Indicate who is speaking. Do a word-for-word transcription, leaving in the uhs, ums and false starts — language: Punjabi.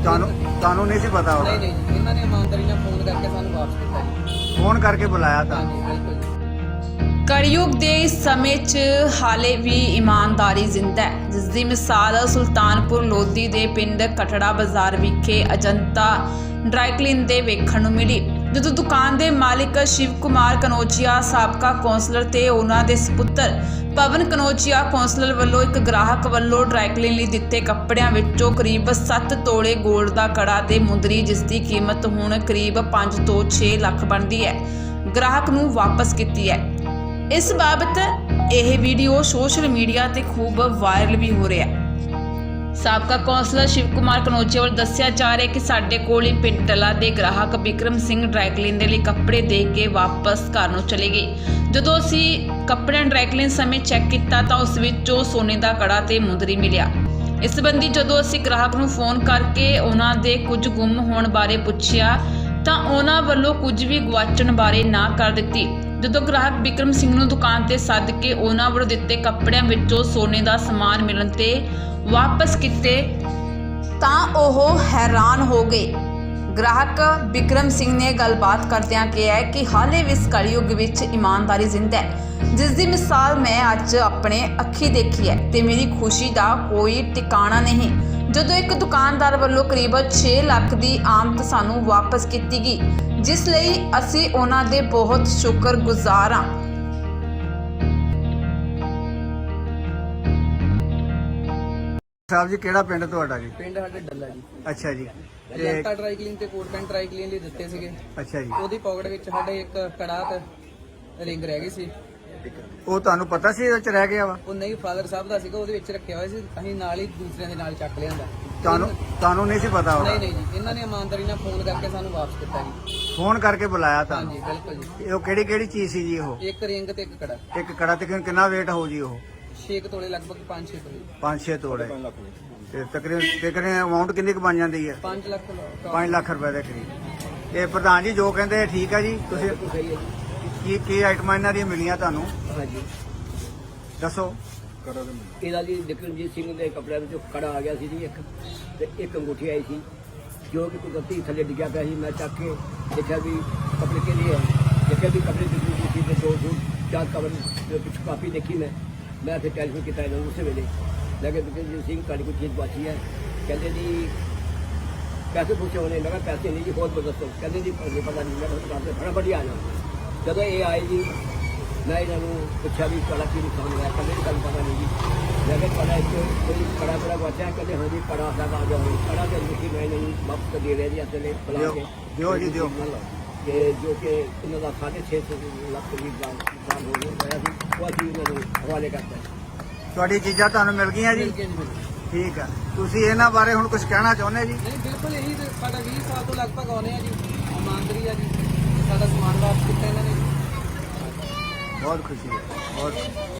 Speaker 1: ਤੁਹਾਨੂੰ ਤੁਹਾਨੂੰ ਨਹੀਂ ਸੀ ਪਤਾ
Speaker 2: नहीं
Speaker 1: ਹੋਣਾ?
Speaker 2: नहीं जी, इन्होंने ईमानदारी ਨਾਲ ਫੋਨ ਕਰਕੇ ਸਾਨੂੰ ਵਾਪਸ ਕੀਤਾ ਜੀ।
Speaker 1: ਫੋਨ ਕਰਕੇ ਬੁਲਾਇਆ ਤਾਂ?
Speaker 2: ਹਾਂਜੀ ਬਿਲकुल जी।
Speaker 3: ਕਲਯੁਗ ਦੇ ਇਸ ਸਮੇਂ 'ਚ ਹਾਲੇ ਵੀ ਇਮਾਨਦਾਰੀ ਜ਼ਿੰਦਾ ਹੈ, ਜਿਸ ਦੀ ਮਿਸਾਲ ਸੁਲਤਾਨਪੁਰ ਲੋਧੀ ਦੇ ਪਿੰਡ ਕਟੜਾ ਬਾਜ਼ਾਰ ਵਿਖੇ ਅਜੰਤਾ ਡਰਾਈ ਕਲੀਨ ਦੇ ਵੇਖਣ ਨੂੰ ਮਿਲੀ, ਜਦੋਂ ਦੁਕਾਨ ਦੇ ਮਾਲਿਕ ਸ਼ਿਵ ਕੁਮਾਰ ਕਨੌਜੀਆ ਸਾਬਕਾ ਕੌਂਸਲਰ ਤੇ ਉਹਨਾਂ ਦੇ ਸਪੁੱਤਰ ਪਵਨ ਕਨੌਜੀਆ ਕੌਂਸਲਰ ਵੱਲੋਂ ਇੱਕ ਗ੍ਰਾਹਕ ਵੱਲੋਂ ਡਰਾਈ ਕਲੀਨ ਲਈ ਦਿੱਤੇ ਕੱਪੜਿਆਂ ਵਿੱਚੋਂ ਕਰੀਬ ਸੱਤ ਤੋਲੇ 골ਡ ਦਾ ਕੜਾ ਤੇ ਮੁੰਦਰੀ, ਜਿਸ ਦੀ ਕੀਮਤ ਹੁਣ ਕਰੀਬ ਪੰਜ ਤੋਂ ਛੇ ਲੱਖ ਬਣਦੀ ਹੈ, ਗ੍ਰਾਹਕ ਨੂੰ ਵਾਪਸ ਕੀਤੀ ਹੈ। ਇਸ ਬਾਬਤ ਇਹ ਵੀਡੀਓ ਸੋਸ਼ਲ ਮੀਡੀਆ ਤੇ ਖੂਬ ਵਾਇਰਲ ਵੀ ਹੋ ਰਿਹਾ ਹੈ। ਸਾਬਕਾ ਕੌਂਸਲਰ ਸ਼ਿਵ ਕੁਮਾਰ ਕਨੌਜੀਆ ਵੱਲੋਂ ਦੱਸਿਆ ਜਾ ਰਿਹਾ ਕਿ ਸਾਡੇ ਕੋਲ ਹੀ ਪਿੰਡ ਟਲਾ ਦੇ ਗ੍ਰਾਹਕ ਬਿਕਰਮ ਸਿੰਘ ਡਰਾਈ ਕਲੀਨ ਦੇ ਲਈ ਕੱਪੜੇ ਦੇ ਕੇ ਵਾਪਸ ਘਰ ਨੂੰ ਚਲੇ ਗਏ। ਜਦੋਂ ਅਸੀਂ ਕੱਪੜਿਆਂ ਡਰਾਈ ਕਲੀਨ ਸਮੇਂ ਚੈੱਕ ਕੀਤਾ ਤਾਂ ਉਸ ਵਿੱਚੋਂ ਸੋਨੇ ਦਾ ਕੜਾ ਤੇ ਮੁੰਦਰੀ ਮਿਲਿਆ। ਇਸ ਸੰਬੰਧੀ ਜਦੋਂ ਅਸੀਂ ਗ੍ਰਾਹਕ ਨੂੰ ਫੋਨ ਕਰਕੇ ਉਹਨਾਂ ਦੇ ਕੁਝ ਗੁੰਮ ਹੋਣ ਬਾਰੇ ਪੁੱਛਿਆ ਤਾਂ ਉਹਨਾਂ ਵੱਲੋਂ ਕੁਝ ਵੀ ਗਵਾਚਣ ਬਾਰੇ ਨਾ ਕਰ ਦਿੱਤੀ। ਜਦੋਂ ਗ੍ਰਾਹਕ ਬਿਕਰਮ ਸਿੰਘ ਨੂੰ ਦੁਕਾਨ ਤੇ ਸੱਦ ਕੇ ਉਹਨਾਂ ਵੱਲੋਂ ਦਿੱਤੇ ਕੱਪੜਿਆਂ ਵਿੱਚੋਂ ਸੋਨੇ ਦਾ ਸਮਾਨ ਮਿਲਣ ਤੇ ਵਾਪਸ ਕੀਤੇ ਤਾਂ ਉਹ ਹੈਰਾਨ ਹੋ ਗਏ। ਗ੍ਰਾਹਕ ਬਿਕਰਮ ਸਿੰਘ ਨੇ ਗੱਲਬਾਤ ਕਰਦਿਆਂ ਕਿਹਾ ਕਿ ਹਾਲੇ ਵੀ ਇਸ ਕਲਯੁੱਗ ਵਿੱਚ ਇਮਾਨਦਾਰੀ ਜ਼ਿੰਦਾ ਹੈ, ਜਿਸ ਦੀ ਮਿਸਾਲ ਮੈਂ ਅੱਜ ਆਪਣੇ ਅੱਖੀ ਦੇਖੀ ਹੈ ਤੇ ਮੇਰੀ ਖੁਸ਼ੀ ਦਾ ਕੋਈ ਟਿਕਾਣਾ ਨਹੀਂ, ਜਦੋਂ ਇੱਕ ਦੁਕਾਨਦਾਰ ਵੱਲੋਂ ਕਰੀਬ ਛੇ ਲੱਖ ਦੀ ਆਮਦ ਸਾਨੂੰ ਵਾਪਸ ਕੀਤੀ ਗਈ, ਜਿਸ ਲਈ ਅਸੀਂ ਉਹਨਾਂ ਦੇ ਬਹੁਤ ਸ਼ੁਕਰਗੁਜ਼ਾਰ ਹਾਂ।
Speaker 1: ਸਾਹਿਬ ਜੀ ਕਿਹੜਾ ਪਿੰਡ ਤੁਹਾਡਾ ਜੀ?
Speaker 2: ਪਿੰਡ ਸਾਡੇ ਡੱਲਾ ਜੀ।
Speaker 1: ਅੱਛਾ ਜੀ। ਤੇ
Speaker 2: ਅਜੰਤਾ ਡਰਾਈ ਕਲੀਨ ਤੇ ਕੋਟ ਪੈਂਟ ਡਰਾਈ ਕਲੀਨ ਲਈ ਦਿੱਤੇ ਸੀਗੇ।
Speaker 1: ਅੱਛਾ ਜੀ,
Speaker 2: ਉਹਦੀ ਪਾਕਟ ਵਿੱਚ ਸਾਡੇ ਇੱਕ ਕੜਾ ਤੇ ਰਿੰਗ ਰਹਿ ਗਈ ਸੀ।
Speaker 1: ਉਹ ਤੁਹਾਨੂੰ ਪਤਾ ਸੀ ਇਹਦੇ ਚ ਰਹਿ ਗਿਆ ਵਾ?
Speaker 2: ਉਹ ਨਹੀਂ ਫਾਦਰ ਸਾਹਿਬ ਦਾ ਸੀਗਾ, ਉਹਦੇ ਵਿੱਚ ਰੱਖਿਆ ਹੋਇਆ ਸੀ, ਅਸੀਂ ਨਾਲ ਹੀ ਦੂਸਰਿਆਂ ਦੇ ਨਾਲ ਚੱਕ ਲਿਆਂਦਾ।
Speaker 1: ਤੁਹਾਨੂੰ ਤੁਹਾਨੂੰ ਨਹੀਂ ਸੀ ਪਤਾ ਹੋਣਾ?
Speaker 2: ਨਹੀਂ ਨਹੀਂ ਜੀ, ਇਹਨਾਂ ਨੇ ਈਮਾਨਦਾਰੀ ਨਾਲ ਫੋਨ ਕਰਕੇ ਸਾਨੂੰ ਵਾਪਸ ਕੀਤਾ ਜੀ।
Speaker 1: ਫੋਨ ਕਰਕੇ ਬੁਲਾਇਆ ਤਾਂ?
Speaker 2: ਹਾਂਜੀ ਬਿਲਕੁਲ ਜੀ।
Speaker 1: ਉਹ ਕਿਹੜੀ ਕਿਹੜੀ ਚੀਜ਼ ਸੀ ਜੀ? ਉਹ
Speaker 2: ਇੱਕ ਰਿੰਗ ਤੇ ਇੱਕ ਕੜਾ,
Speaker 1: ਇੱਕ ਕੜਾ ਤੇ ਕਿੰਨਾ weight ਹੋ ਜੀ? ਉਹ
Speaker 2: ਛੇ ਕੁ ਤੋਲੇ, ਲਗਭਗ ਪੰਜ ਛੇ ਤੋਲੇ।
Speaker 1: ਪੰਜ ਛੇ ਤੋਲੇ ਤੇ ਤਕਰੀਬਨ ਤਕਰੀਬਨ ਅਮਾਉਂਟ ਕਿੰਨੀ ਕੁ ਬਣ ਜਾਂਦੀ ਹੈ?
Speaker 2: ਪੰਜ ਲੱਖ
Speaker 1: ਪੰਜ ਲੱਖ ਰੁਪਏ ਦੇ ਕਰੀਬ। ਇਹ ਪ੍ਰਧਾਨ ਜੀ ਜੋ ਕਹਿੰਦੇ ਆ ਠੀਕ ਹੈ ਜੀ। ਤੁਸੀਂ
Speaker 2: ਸਹੀ ਹੈ ਜੀ।
Speaker 1: ਕੀ ਕੀ ਆਈਟਮਾਂ ਇਹਨਾਂ ਦੀਆਂ ਮਿਲੀਆਂ ਤੁਹਾਨੂੰ
Speaker 2: ਹਾਂਜੀ,
Speaker 1: ਦੱਸੋ?
Speaker 4: ਇਹਦਾ ਜੀ ਬਿਕਰਮਜੀਤ ਸਿੰਘ ਦੇ ਕੱਪੜਿਆਂ ਵਿੱਚੋਂ ਕੜਾ ਆ ਗਿਆ ਸੀ ਜੀ ਇੱਕ, ਤੇ ਇੱਕ ਅੰਗੂਠੀ ਆਈ ਸੀ ਜੋ ਕਿ ਕੁਦਰਤੀ ਥੱਲੇ ਡਿੱਗਿਆ ਪਿਆ ਸੀ। ਮੈਂ ਚੱਕ ਕੇ ਦੇਖਿਆ ਵੀ ਕੱਪੜੇ ਕੇ ਲਈ ਹੈ, ਦੇਖਿਆ ਵੀ ਕੱਪੜੇ ਦੀ ਅੰਗੂਠੀ ਤੇ ਦੋ ਸੂਟ ਚਾਰ ਕਵਰ ਪਿੱਛੇ ਕਾਪੀ ਦੇਖੀ। ਮੈਂ ਮੈਂ ਫਿਰ ਟੈਲੀਫੋਨ ਕੀਤਾ ਇਹਨਾਂ ਨੂੰ ਉਸੇ ਵੇਲੇ, ਲੈ ਕੇ ਬਿਕਰਮਜੀਤ ਸਿੰਘ ਤੁਹਾਡੀ ਕੋਈ ਚੀਜ਼ ਬਾਕੀ ਹੈ? ਕਹਿੰਦੇ ਜੀ ਪੈਸੇ ਪੁੱਛੇ ਹੋਣੇ। ਮੈਂ ਕਿਹਾ ਪੈਸੇ ਨਹੀਂ ਜੀ, ਬਹੁਤ ਬਦਸਤੋ। ਕਹਿੰਦੇ ਜੀ ਪਤਾ ਨਹੀਂ। ਮੈਂ ਕਿਹਾ ਫਟਾਫਟ ਹੀ ਆ ਜਾਓ। ਜਦੋਂ ਇਹ ਆਏ ਜੀ ਮੈਂ ਇਹਨਾਂ ਨੂੰ ਪੁੱਛਿਆ ਵੀ ਤੁਹਾਡਾ ਕੀ ਨੁਕਸਾਨ ਹੋਇਆ? ਕਹਿੰਦੇ ਜੀ ਤੁਹਾਨੂੰ ਪਤਾ ਨਹੀਂ ਜੀ। ਮੈਂ ਕਿਹਾ ਤੁਹਾਡਾ ਇੱਕ ਕੋਈ ਕੜਾ ਕੜਾ ਵਾਚਿਆ? ਕਹਿੰਦੇ ਹਾਂ ਜੀ ਕੜਾ ਸਾਡਾ ਆ ਜਾਓ। ਕੜਾ ਦੇ ਅੰਗੂਠੀ ਮੈਂ ਇਹਨਾਂ ਨੂੰ ਵਾਪਸ ਦੇ ਰਿਹਾ ਜੀ ਅਸਲੇ ਬੁਲਾ ਕੇ
Speaker 1: ਦਿਓ ਜੀ ਦਿਓ।
Speaker 4: ਕਿ ਜੋ ਕਿ ਇਹਨਾਂ ਦਾ ਸਾਢੇ ਛੇ ਸੌ ਲੱਖ ਦੀ ਨੁਕਸਾਨ ਹੋ ਗਿਆ ਸੀ, ਉਹ ਅਸੀਂ ਇਹਨਾਂ ਨੂੰ ਹਵਾਲੇ ਕਰਤਾ।
Speaker 1: ਤੁਹਾਡੀ ਚੀਜ਼ਾਂ ਤੁਹਾਨੂੰ ਮਿਲ ਗਈਆਂ ਜੀ?
Speaker 2: ਮਿਲ ਗਿਆ ਜੀ, ਮਿਲ ਗਿਆ।
Speaker 1: ਠੀਕ ਆ। ਤੁਸੀਂ ਇਹਨਾਂ ਬਾਰੇ ਹੁਣ ਕੁਝ ਕਹਿਣਾ ਚਾਹੁੰਦੇ ਜੀ?
Speaker 2: ਨਹੀਂ ਬਿਲਕੁਲ, ਇਹੀ ਤੇ ਸਾਡਾ ਵੀਹ ਸਾਲ ਤੋਂ ਲਗਭਗ ਆਉਂਦੇ ਆ ਜੀ। ਇਮਾਨਦਾਰੀ ਆ ਜੀ, ਸਾਡਾ ਸਮਾਨ ਵਾਪਸ ਕੀਤਾ ਇਹਨਾਂ ਨੇ।
Speaker 1: ਬਹੁਤ ਖੁਸ਼ੀ ਹੈ, ਬਹੁਤ